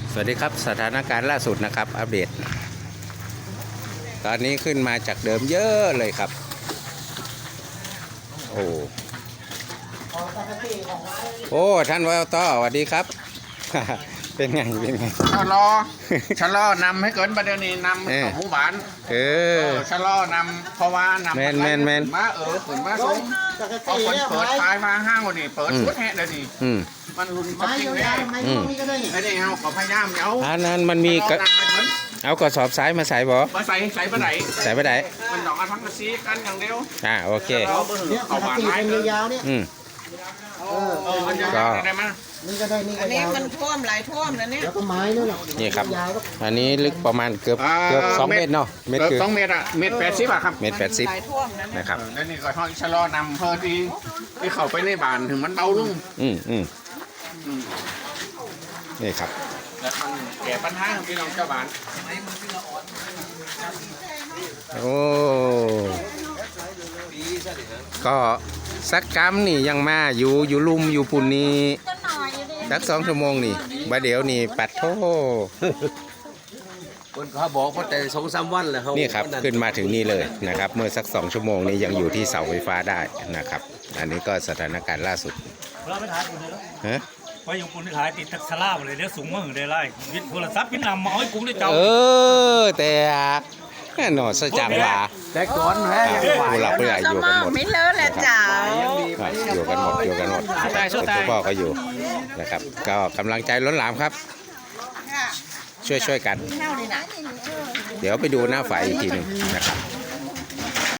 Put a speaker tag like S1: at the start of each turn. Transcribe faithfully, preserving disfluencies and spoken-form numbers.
S1: สวัสดีครับสถานการณ์ล่าสุดนะครับอัปเดตตอนนี้ขึ้นมาจากเดิมเยอะเลยครับโอ้โอ้ท่านวอต้อสวัสดีครับ เป็นไงเป็นไง
S2: ชะลอชะลอนำให้เกินประเดี๋ยวนี้นำเข้าหมู่บ้าน
S1: เออ
S2: ชะลอนำเพราะว่านำ
S1: แมนแมนแมน
S2: มาเออขึ้นมาสูงเอาคนเปิดท้ายมาห้างกว่านี่เปิดชุดแห่เดี๋ยวนี้มันรุนแรงเลยไอ้นี่เอาขอพยายามเอา
S1: อันนั้นมันมีเอากระสอบสายมาใส่บ่
S2: มาใส่ใส่ปะไหน
S1: ใส่ปะไหน
S2: มันดอกกระทั้งกระซีกันอย่างเดียว
S1: อ่าโอเค
S2: เอาหวานไม้ยาวเนี่ย
S1: อืม
S2: ก็ได้ไหม
S3: นี่ก็ได้นี่
S4: อันนี้มันท่วมหลายท่วมแล้วเนี่ย
S3: แล้วก็ไม้นู่นหรอ
S1: นี่ครับอันนี้ลึกประมาณเกือบเกือบสองเมตรเนาะ
S2: เมตรสองเมตรอะเมตรแปดสิบอะครับ
S1: เมตรแปดสิบ
S2: นะครับแล้วนี่ก็ท่อนชะลอนำเพื่อที่ที่เข้าไปในบ้านถึงมันเบาลง
S1: อืมอืมนี่ครับ
S2: แล้วมันแก้ปัญหาของพี่น้องชาวบ้าน
S1: โอ้ก็สักกรรมนี่ยังมาอยู่อยู่ลุ่มอยู่ปุ่นนี้สักสองชั่วโมงนี่บาเดี๋ยวนี่ปัดโท
S5: คนเขาบอกว่าแต่สองสามวันแล้วเขา
S1: นี่ครับขึ้นมาถึงนี่เลยนะครับเมื่อสักสองชั่วโมงนี้ยังอยู่ที่เสาไฟฟ้าได้นะครับอันนี้ก็สถานการณ์ล่าสุด
S6: เราไปถ่ายคนเดียว
S1: ฮะ
S6: ไปอยู่คนที่ถ่ายติดทักษะล่าเลยเดี๋ยวสูงมากเลยไล่วิทย์โทรศัพท์วิทย์นำมาให้กุ้งได้เจ้า
S1: เออแต่หนอสจังว่า
S5: แต่ก่อนแพ้
S1: ผู้หลักผู้ใหญ่อยู่กันหมด
S4: ไม่เลอะแหละเจ้า
S1: อยู่กันหมดอยู่กันหมดคุณพ่อก็อยู่นะครับก็กำลังใจล้นหลามครับช่วยช่วยกันเดี๋ยวไปดูหน้าไฟอีกทีหนึ่งนะครับ